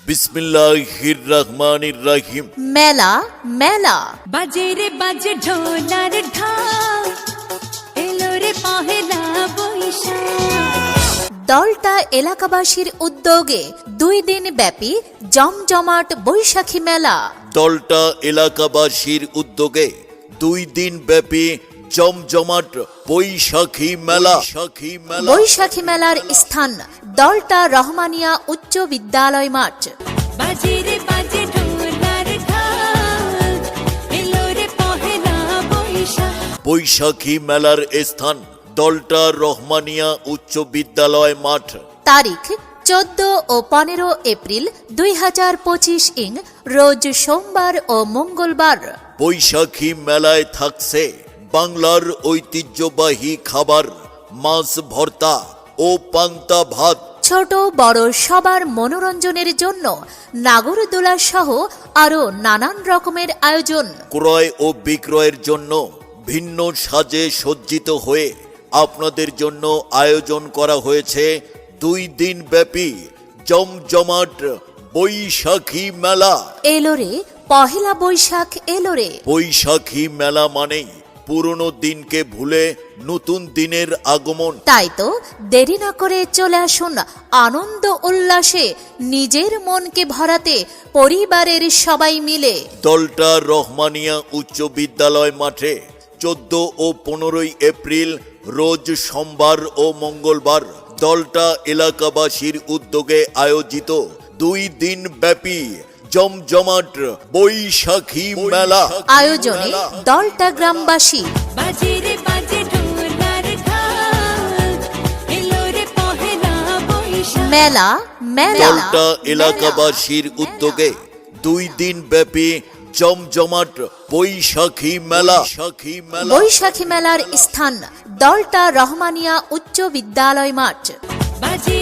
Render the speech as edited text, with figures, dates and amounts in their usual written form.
বিসমিল্লাহির রহমানির রহিম। মেলা মেলা বাজে রে বাজে ঢোলার ঢাক, এলো রে পহেলা বৈশাখ। দলটা এলাকাবাসীর উদ্যোগে 2 দিন ব্যাপী জমজমাট বৈশাখী মেলা। দলটা এলাকাবাসীর উদ্যোগে 2 দিন ব্যাপী জমজমাট বৈশাখী মেলা। বৈশাখী মেলার স্থান দলটা রহমানিয়া উচ্চ বিদ্যালয় মাঠ। বাজে রে বাজে ঢোলার ঢাক, এলো রে পহেলা বৈশাখ। বৈশাখী মেলার স্থান দলটা রহমানিয়া উচ্চ বিদ্যালয় মাঠ। তারিখ 14 ও 15 এপ্রিল 2025 ইং রোজ সোমবার ও মঙ্গলবার। বৈশাখী মেলায় থাকছে বাংলার ঐতিহ্যবাহী খাবার, মাছ ভর্তা ও পান্তা ভাত। ছোট বড় সবার মনোরঞ্জনের জন্য নাগরদোলা সহ আরো নানান রকমের আয়োজন। ক্রয় ও বিক্রয়ের জন্য ভিন্ন সাজে সজ্জিত হয়ে আপনাদের জন্য আয়োজন করা হয়েছে 2 দিন ব্যাপী জমজমাট বৈশাখী মেলা। এলোরে পহেলা বৈশাখ এলোরে। বৈশাখী মেলা মানেই পুরনো দিনকে ভুলে নতুন দিনের আগমন। তাই তো দেরি না করে চলে আসুন আনন্দ উল্লাসে নিজের মনকে ভরাতে পরিবারের সবাই মিলে। দলটা রহমানিয়া উচ্চ বিদ্যালয় মাঠে 14 ও 15 এপ্রিল রোজ সোমবার ও মঙ্গলবার দলটা এলাকাবাসীর উদ্যোগে আয়োজিত 2 দিন ব্যাপী জমজমাট বৈশাখী মেলা। আয়োজনে দলটা গ্রামবাসী। বাজে রে বাজে ঢোলার ঢাক, এলো রে পহেলা বৈশাখ। মেলা মেলা দলটা এলাকাবাসীর উদ্যোগে 2 দিন ব্যাপী জমজমাট বৈশাখী মেলা। বৈশাখী মেলার স্থান দলটা রহমানিয়া উচ্চ বিদ্যালয় মাঠ। বাজে